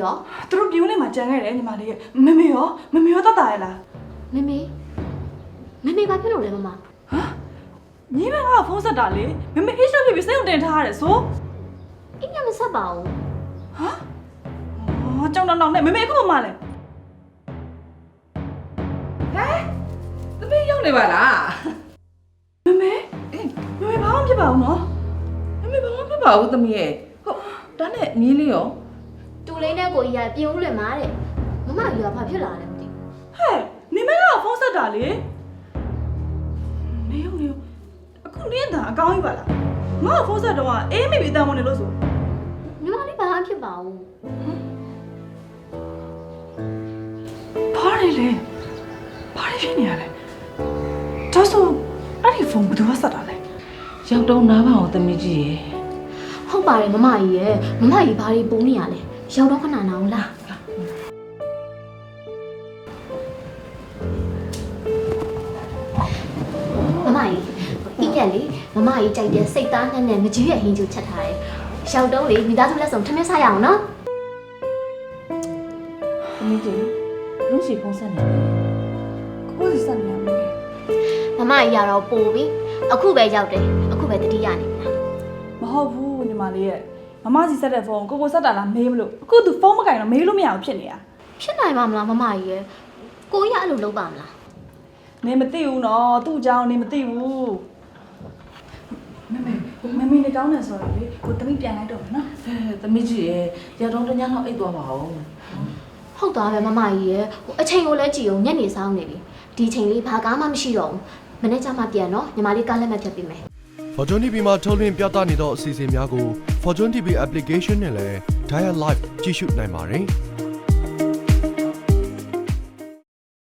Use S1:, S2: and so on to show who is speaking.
S1: ရော
S2: သူတို့ပြိုးနေမှာကြံခဲ့တယ်ညီမလေးမမေရောတတ်တာရလား
S1: မမေဘာဖြစ်လို့လဲမမ
S2: ညီမကဖုန်းဆက်တာလေမမေအိတ်ဆက်ပြီးစိတ်ုံတင်ထားရတယ်ဆို
S1: အိမ်ကမဆက်ပါဘူး
S2: ဟာကြောင်တောင်နဲ့မမေအခုမှလဲ
S3: သမီးရောက်နေပါလား
S2: မမေဘာမှဖြစ်ပါဘူးနော်
S3: သမီးဘာမှမဖြစ်ပါဘူးသမီးရဲ့ဟုတ်ဒါနဲ့မြင်းလေးရော
S1: တူလေးနဲ့ကိုကြီးကပြင်ဦးလွင်မှာတဲ့မမကြီးကဘာဖြစ်လာလဲမသိ
S2: ဟဲ့နေမကဖုန်းဆက်တာလေနေအခုနင်းတာအကောင်းကြီးပါလားငါ့ဖုန်းဆက်တော့အေးမိပြီတန်ဝင်နေလို့ဆို
S1: ညီမလေးဘာမှဖြစ်ပါဘူး
S2: ဘာလဲဘာဖြစ်နေရလဲဒါဆိုအဲ့ဒီဖုန်းဘယ်သူကဆက်တာလဲ
S3: ရောက်တော့နားပါအောင်သမီးကြီးရေ
S1: ဟုတ်ပါတယ်မမကြီးရဲ့မမကြီးဘာတွေပုံနေရလဲရောက်တော့ခဏနာအောင်လားမမကြီးအိရက်လေမမကြီးကြိုက်တဲ့စိတ်သားနဲ့ငကြီးရဲ့ဟင်းကျူချက်ထားတယ်ရောက်တော့လေမိသားစုလက်ဆောင်ထမင်းစားရအောင်နော်
S3: သမီးကြီးလူရှိဖုန်းဆက်နေတယ်
S2: ကိုယ်စီဆက်နေရမယ်
S1: မမကြီးရတော့ပို့ပြီအခုပဲရောက်တယ်အခုပဲတတိယနေပြီလား
S2: မဟုတ်ဘူးညီမလေးရဲ့မမစီဆက်တဲ့ဖုန်းကိုဆက်တာလားမေးမလို့အခုသူဖုန်းမကင်တော့မေးလို့မရအောင်ဖြစ်နေတာ
S1: ဖြစ်နိုင်ပါမလားမမကြီးရဲ့ကိုကြီးကအဲ့လိုလုပ်ပါမလား
S2: နေမသိဘူးနော်သူ့အကြောင်းနေမသိဘူးမမေနေကောင်းတယ်ဆိုတော့လေကိုတမိပြန်လိုက်တော့မယ်နော်
S3: သမီးကြီးရေရောက်တော့တညလောက်အိတ်သွားပါအောင်
S1: ဟုတ်သားပဲမမကြီးရဲ့အချိန်ကိုလည်းကြည့်အောင်ညနေဆောင်နေပြီဒီချိန်လေးဘာကားမှမရှိတော့ဘူးမနေ့ကမှပြန်တော့ညီမလေးကားလက်မှတ်ဖြတ်ပေးမယ်
S4: Fortune TV မှာထုတ်လွှင့်ပြသနေသောအစီအစဉ်များကို Fortune TV application နဲ့လည်း Dial Live ကြည့်ရှုနိုင်ပါတယ်။